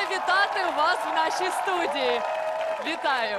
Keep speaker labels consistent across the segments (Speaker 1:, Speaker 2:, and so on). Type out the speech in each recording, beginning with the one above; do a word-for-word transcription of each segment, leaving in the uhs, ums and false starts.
Speaker 1: вітати вас в нашій студії. Вітаю.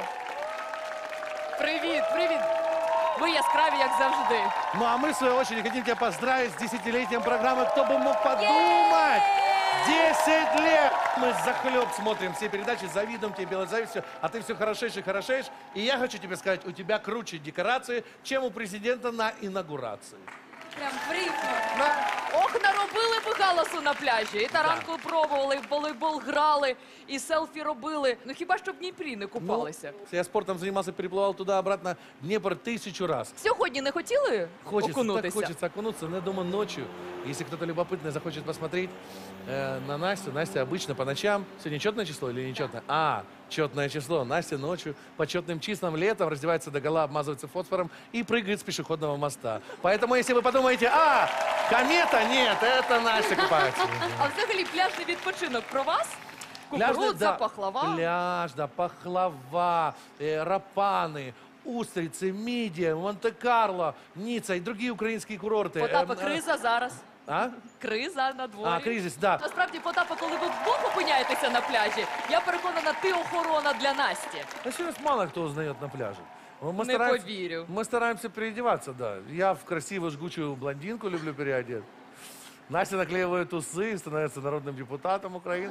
Speaker 1: Привіт, привіт. Ви яскраві, як завжди.
Speaker 2: Ну а мы, в свою очередь, хотим тебя поздравить с десятилетием программы «Кто бы мог подумать». Десять лет! Мы захлеб смотрим все передачи, завидуем тебе, белой завистью, а ты все хорошеешь и хорошеешь. И я хочу тебе сказать, у тебя круче декорации, чем у президента на инаугурации.
Speaker 3: Прям приємно.
Speaker 1: Ох, наробили би галасу на пляжі. І таранку пробували, і в волейбол грали, і селфі робили. Ну хіба що в Дніпрі не купалися?
Speaker 2: Ну, я спортом занимался, переплывал туда-обратно Днепр тысячу раз.
Speaker 1: Сьогодні не хотіли
Speaker 2: Хочется, так
Speaker 1: окунутися?
Speaker 2: хочется окунуться, но я думаю, ночью, если кто-то любопытный захочет посмотреть э, на Настю. Настя обычно по ночам, сегодня четное число или нечетное? А, четное число. Настя ночью по четным числам летом раздевается догола, обмазывается фосфором и прыгает с пешеходного моста. Поэтому, если вы подумаете, а, комета, нет, это Настя купается.
Speaker 1: А взагалі пляжний відпочинок про вас?
Speaker 2: Пляжный,
Speaker 1: Кукурудза,
Speaker 2: да,
Speaker 1: пахлава.
Speaker 2: Пляж, да, пахлава, э, рапаны, устрицы, мидия, Монте-Карло, Ницца и другие украинские курорты.
Speaker 1: Потапа,
Speaker 2: Эм, э,
Speaker 1: криза зараз.
Speaker 2: А?
Speaker 1: Криза на дворі.
Speaker 2: А, кризис, да.
Speaker 1: Насправді, Потапа, коли ви вдвох опиняєтеся на пляжі, я переконана, ти охорона для Насті.
Speaker 2: А сейчас мало кто узнает на пляже. Мы
Speaker 1: Не
Speaker 2: стараемся-
Speaker 1: поверю.
Speaker 2: Мы стараемся переодеваться, да. Я в красивую жгучую блондинку люблю переодеть. Настя наклеивает усы, становится народным депутатом Украины.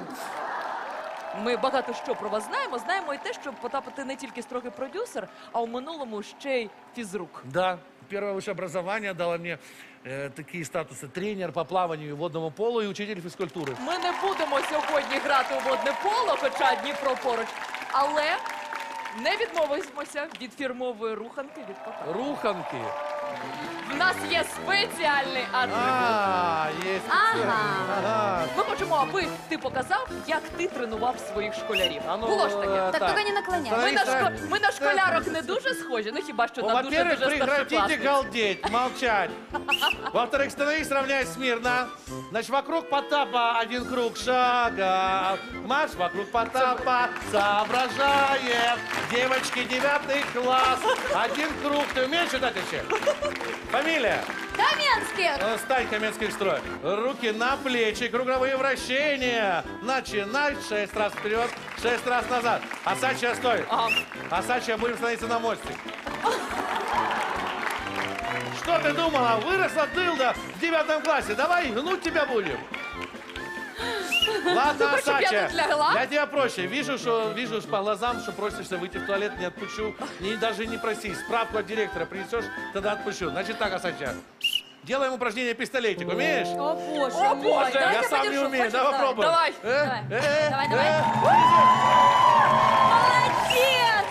Speaker 1: Ми багато що про вас знаємо. Знаємо і те, що Потапа, ти не тільки строгий продюсер, а у минулому ще й фізрук.
Speaker 2: Да, первое высшее образование дало мне э, такие статусы: тренер по плаванию и водному полу и учитель физкультуры.
Speaker 1: Ми не будемо сьогодні грати у водне поло, хоча Дніпро поруч, але не відмовимося від фірмової руханки від Потапа.
Speaker 2: Руханки.
Speaker 1: В нас є спеціальний атрибут.
Speaker 2: А, есть.
Speaker 3: Ага.
Speaker 2: Ага.
Speaker 1: Ми хочемо, аби ти показав, як ти тренував своїх школярів.
Speaker 2: А ну,
Speaker 1: Було ж таке.
Speaker 2: э,
Speaker 3: Так, тільки не наклоняй.
Speaker 1: Ми на,
Speaker 2: Становись
Speaker 1: шко...
Speaker 2: на-
Speaker 1: ми на школярок не дуже схожі, ну хіба що
Speaker 2: Ну,
Speaker 1: на
Speaker 2: во-первых,
Speaker 1: дуже-дуже
Speaker 2: прекратите
Speaker 1: старшокласниць.
Speaker 2: галдеть, молчать. Во-вторых, становись, равняйся смирно. Значит, вокруг Потапа один круг шага. Марш вокруг Потапа соображает. Девочки, девятый класс. Один круг. Ты умеешь читать вообще? Фамилия?
Speaker 3: Кам'янських!
Speaker 2: Э, Стань, Каменский строй. Руки на плечи, круговые вращения. Начинай. Шесть раз вперед, шесть раз назад. Асачья, стой.
Speaker 1: Ага.
Speaker 2: Асачья, будем становиться на мостик. Что ты думала? Выросла дылда в девятом классе. Давай гнуть тебя будем. Ладно,
Speaker 1: хочешь, чтоб я
Speaker 2: Асачья,
Speaker 1: тут лягла?
Speaker 2: я тебя проще. Вижу, что вижу по глазам, что просишься выйти в туалет, не отпущу. Не, даже не проси. Справку от директора принесешь, тогда отпущу. Значит так, Асачья. Делаем упражнение пистолетик. Умеешь?
Speaker 3: О, Боже
Speaker 1: О,
Speaker 3: мой.
Speaker 1: Боже,
Speaker 3: Давай
Speaker 2: Я
Speaker 3: я
Speaker 2: сам не
Speaker 3: подержу.
Speaker 2: умею.
Speaker 3: Хочешь?
Speaker 2: Давай попробуем.
Speaker 1: Давай.
Speaker 2: Э,
Speaker 3: Давай.
Speaker 2: э,
Speaker 3: Давай,
Speaker 2: э,
Speaker 3: давай.
Speaker 2: э.
Speaker 3: Молодець!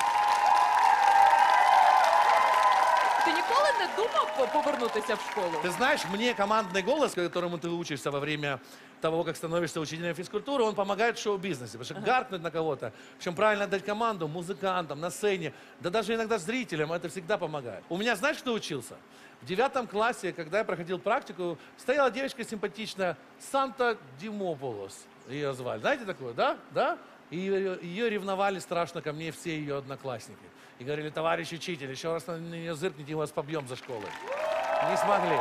Speaker 1: Ти ніколи не думав по- повернутися в школу?
Speaker 2: Ты знаешь, мне командный голос, которому ты учишься во время того, как становишься учителем физкультуры, он помогает в шоу-бизнесе. Потому что гаркнуть на кого-то, причем правильно дать команду музыкантам, на сцене, да даже иногда зрителям, это всегда помогает. У меня, знаешь, кто учился? В девятом классе, когда я проходил практику, стояла девочка симпатичная, Санта Димополос ее звали. Знаете такое, да? Да? И ее, ее ревновали страшно ко мне все ее одноклассники. И говорили: товарищ учитель, еще раз на нее зыркните, мы вас побьем за школой. Не смогли.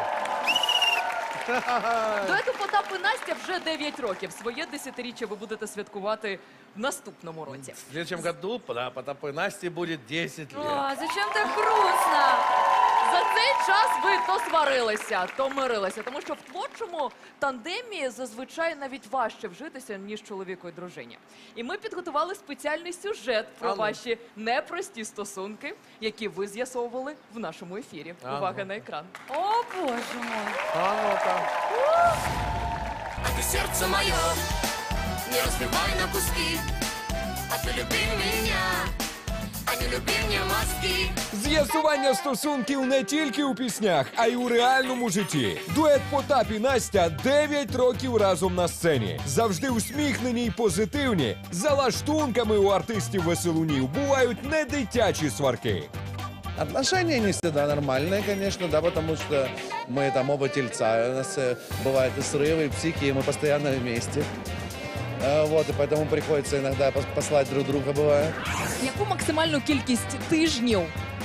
Speaker 1: Дуету Потап і Настя вже дев'ять років. Своє десятиріччя ви будете святкувати в наступному році.
Speaker 2: В следующем году, да, Потапу и Насте будет десять лет.
Speaker 3: О, зачем так грустно?
Speaker 1: За цей час ви то сварилися, то мирилися, тому що в творчому тандемі зазвичай навіть важче вжитися, ніж чоловіку і дружині. І ми підготували спеціальний сюжет про
Speaker 2: А ну.
Speaker 1: ваші непрості стосунки, які ви з'ясовували в нашому ефірі.
Speaker 2: А ну.
Speaker 1: Увага на екран.
Speaker 3: О, Боже мой.
Speaker 2: А ну-ка.
Speaker 4: А ты сердце мое не разбивай на куски, а ты люби меня, а не люби мне мозги.
Speaker 5: З'ясування стосунків не тільки у піснях, а й у реальному житті. Дует Потап і Настя дев'ять років разом на сцені. Завжди усміхнені й позитивні. За лаштунками у артистів-веселунів бувають не дитячі сварки.
Speaker 6: Отношения не всегда нормальные, конечно, да, потому что мы там оба тельца, у нас э, бывают и срывы, и психи, и мы постоянно вместе. Э, вот, и поэтому приходится иногда пос- послать друг друга, бывает.
Speaker 1: Яку максимальну кількість тижнів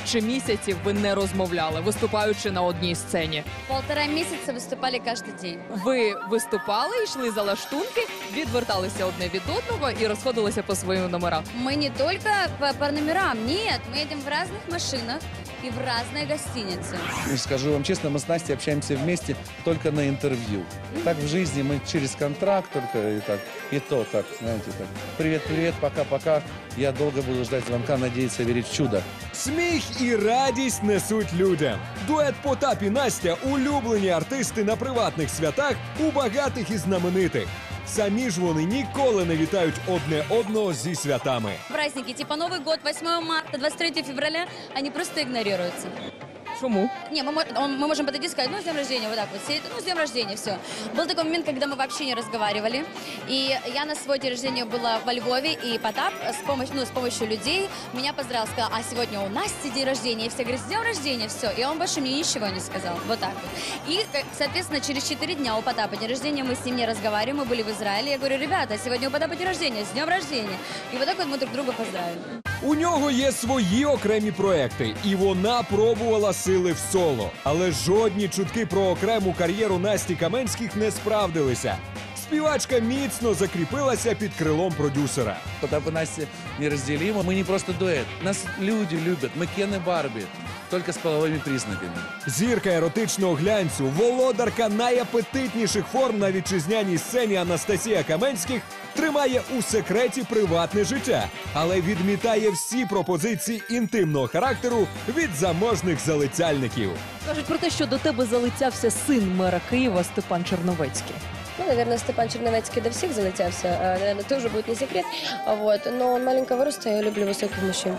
Speaker 1: чи місяців ви не розмовляли, виступаючи на одній сцені?
Speaker 3: Полтора месяца выступали каждый день.
Speaker 1: Ви виступали, йшли за лаштунки, відверталися одне від одного і розходилися по своїм номерам.
Speaker 3: Мы не только по, по номерам, нет, мы едем в разных машинах и в разные гостиницы.
Speaker 6: И скажу вам честно, мы с Настей общаемся вместе только на интервью. Так в жизни мы через контракт только и так, и то так, знаете, так. Привет, привет, пока-пока. Я долго буду ждать звонка, надеяться, верить в чудо.
Speaker 5: Сміх і радість несуть людям. Дует Потап і Настя – улюблені артисти на приватних святах у багатих і знаменитих. Самі ж вони ніколи не вітають одне одного зі святами.
Speaker 3: Праздники типа Новый год, восьмое марта, двадцать третье февраля, они просто игнорируются.
Speaker 1: Чому?
Speaker 3: Не, мы, мо- он- мы можем подойти и сказать, ну, с днем рождения, вот так вот, все, ну, с днем рождения, все. Был такой момент, когда мы вообще не разговаривали, и я на свой день рождения была во Львове, и Потап с помощью, ну, с помощью людей меня поздравил, сказал, а сегодня у Насти день рождения, и все говорят, с днем рождения, все, и он больше мне ничего не сказал, вот так вот. И, как- соответственно, через четыре дня у Потапа день рождения, мы с ним не разговариваем, мы были в Израиле, я говорю, ребята, сегодня у Потапа день рождения, с днем рождения, и вот так вот мы друг друга поздравили.
Speaker 5: У нього є свої окремі проекти, і вона пробувала сили в соло. Але жодні чутки про окрему кар'єру Насті Каменських не справдилися. Співачка міцно закріпилася під крилом продюсера.
Speaker 6: Потап и Настя неразделимы. Мы не просто дуэт. Нас люди любят. Мы Кен и Барби. Только с половыми признаками.
Speaker 5: Зірка еротичного глянцю, володарка найапетитніших форм на вітчизняній сцені Анастасія Каменських тримає у секреті приватне життя, але відмітає всі пропозиції інтимного характеру від заможних залицяльників.
Speaker 1: Кажуть про те, що до тебе залицявся син мера Києва Степан Черновецький.
Speaker 7: Ну, наверное, Степан Черновецкий до всех залетелся. А, наверное, тоже будет не секрет. А Вот. Но он маленького роста, я люблю высоких мужчин.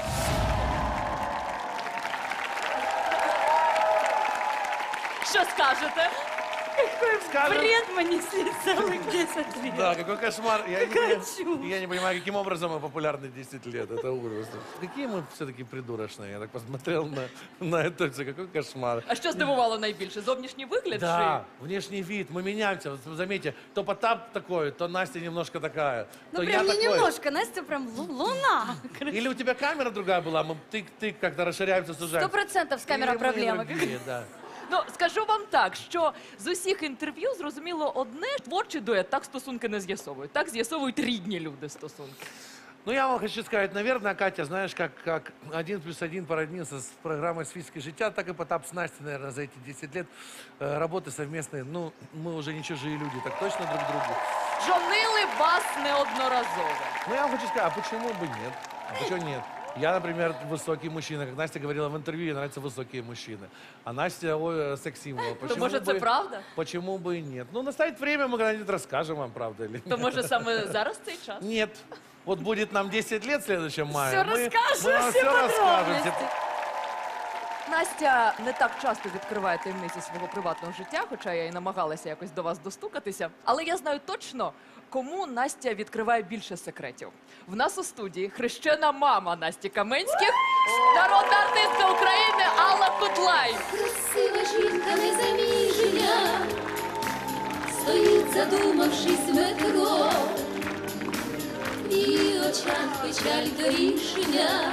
Speaker 1: Що скажете?
Speaker 2: Скажем,
Speaker 3: Бред мы несли целых десять лет.
Speaker 2: да, какой кошмар. Я, не,
Speaker 3: Какая
Speaker 2: я-
Speaker 3: чушь.
Speaker 2: я не понимаю, каким образом мы популярны десять лет. Это ужас. Какие мы все-таки придурочные. Я так посмотрел на, на это все. Какой кошмар.
Speaker 1: А що здивувало найбільше? Зовнішній вигляд?
Speaker 2: Да, внешний вид, мы меняемся. Вот заметьте, то Потап такой, то Настя немножко такая,
Speaker 3: Ну,
Speaker 2: то я
Speaker 3: прям не
Speaker 2: такой.
Speaker 3: немножко, Настя прям лу- луна.
Speaker 2: Или у тебя камера другая была, мы тык-тык как-то расширяемся,
Speaker 3: Сто
Speaker 2: сужаемся.
Speaker 3: процентов с камерой
Speaker 2: Или мы
Speaker 3: проблемы.
Speaker 2: другие, да.
Speaker 1: Ну, скажу вам так, що з усіх інтерв'ю зрозуміло одне, творчий дует так стосунки не з'ясовують. Так з'ясовують рідні люди стосунки.
Speaker 2: Ну, я вам хочу сказать, наверное, Катя, знаешь, как, как один плюс один породнился с программой «Свитские життя», так и Потап с Настей, наверное, за эти десять лет э, работы совместные. Ну, мы уже не чужие люди, так точно друг другу.
Speaker 1: Жонили вас неодноразово.
Speaker 2: Ну, я вам хочу сказать, а почему бы нет? А почему нет? Я, например, высокий мужчина. Как Настя говорила в интервью, ей нравятся высокие мужчины. А Настя, ой, секс-символ.
Speaker 1: То
Speaker 2: Почему
Speaker 1: може це
Speaker 2: бы-
Speaker 1: правда?
Speaker 2: Почему бы и нет? Ну, настанет время, мы когда-нибудь расскажем вам, правда или
Speaker 1: То
Speaker 2: нет.
Speaker 1: може саме зараз цей час?
Speaker 2: Нет. Вот будет нам десять лет в следующем мае.
Speaker 3: Все
Speaker 2: мы,
Speaker 3: расскажем,
Speaker 2: мы вам
Speaker 3: все
Speaker 2: все расскажем.
Speaker 3: подробности.
Speaker 1: Настя не так часто відкриває таємниці свого приватного життя, хоча я і намагалася якось до вас достукатися. Але я знаю точно, кому Настя відкриває більше секретів. В нас у студії хрещена мама Насті Каменських, народна артистка України Алла Кудлай.
Speaker 4: Красива жінка незаміжня, стоїть, задумавшись в метро, в її очах печаль до рішення.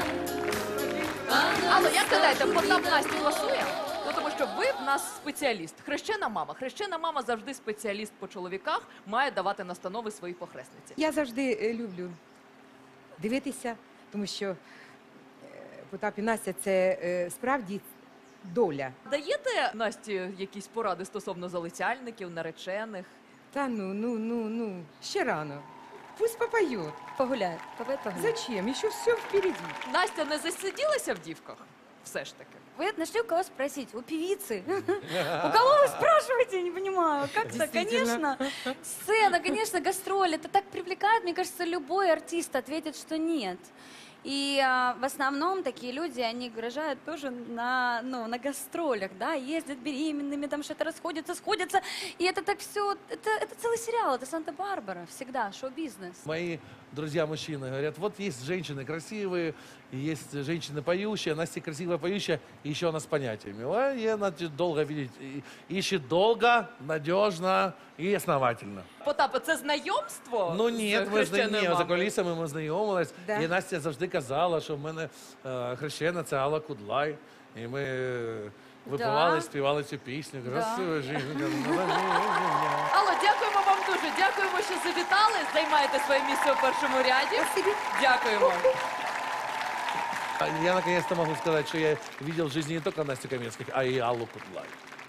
Speaker 1: Алла, як гадаєте, Потап Насті класує? Ну, тому що ви в нас спеціаліст. Хрещена мама. Хрещена мама завжди спеціаліст по чоловіках, має давати настанови своїй похресниці.
Speaker 8: Я завжди е, люблю дивитися, тому що е, Потап і Настя це е, справді доля.
Speaker 1: Даєте Насті якісь поради стосовно залицяльників, наречених?
Speaker 8: Та ну, ну, ну, ну, ще рано. Пусть попоет.
Speaker 3: Погуляет, давай погуляем.
Speaker 8: Зачем? Еще все впереди.
Speaker 1: Настя не засиділася в дівках? Все ж таки.
Speaker 3: Вы нашли у кого спросить? У певицы. У кого вы спрашиваете? Я не понимаю. Как-то,
Speaker 8: Действительно.
Speaker 3: конечно, сцена, конечно, гастроль. Это так привлекает. Мне кажется, любой артист ответит, что нет. И а, в основном такие люди, они угрожают тоже на, ну, на гастролях, да, ездят беременными, там что-то расходятся, сходятся. И это так все, это, это целый сериал, это Санта-Барбара, всегда, шоу-бизнес.
Speaker 2: Мои друзья мужчины, говорят, вот есть женщины красивые, и есть женщины поющие, Настя красивая поющая, и еще она с понятиями. Ой, и она долго видеть, и- ищет долго, надежно и основательно.
Speaker 1: Потапе, це знайомство?
Speaker 2: Ну
Speaker 1: з
Speaker 2: ні, ми
Speaker 1: хрещеною
Speaker 2: зна... ні, за
Speaker 1: мамою?
Speaker 2: колісами ми знайомились.
Speaker 8: Да.
Speaker 2: І Настя завжди казала, що в мене е, хрещена це Алла Кудлай. І ми е, випивали,
Speaker 1: Да.
Speaker 2: співали цю пісню. Красива жінка. на мене.
Speaker 1: Алло, дякуємо вам дуже. Дякуємо, що завітали. Займаєте своє місце у першому ряді. Дякуємо.
Speaker 2: А Я наконец-то могу сказать, что я видел в жизни не только Настю Каменских, а и Аллу Кудлай.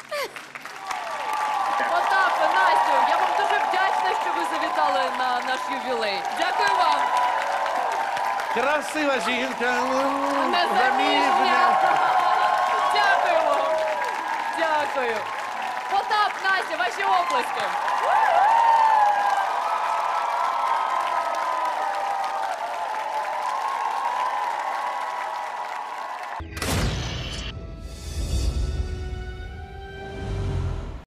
Speaker 1: Потапе, Настю, я вам дуже вдячна, що ви завітали на наш ювілей. Дякую вам.
Speaker 2: Красива жінка,
Speaker 1: Незаміжня. Дякуємо. Дякую. Потап, Настя, ваші оплески.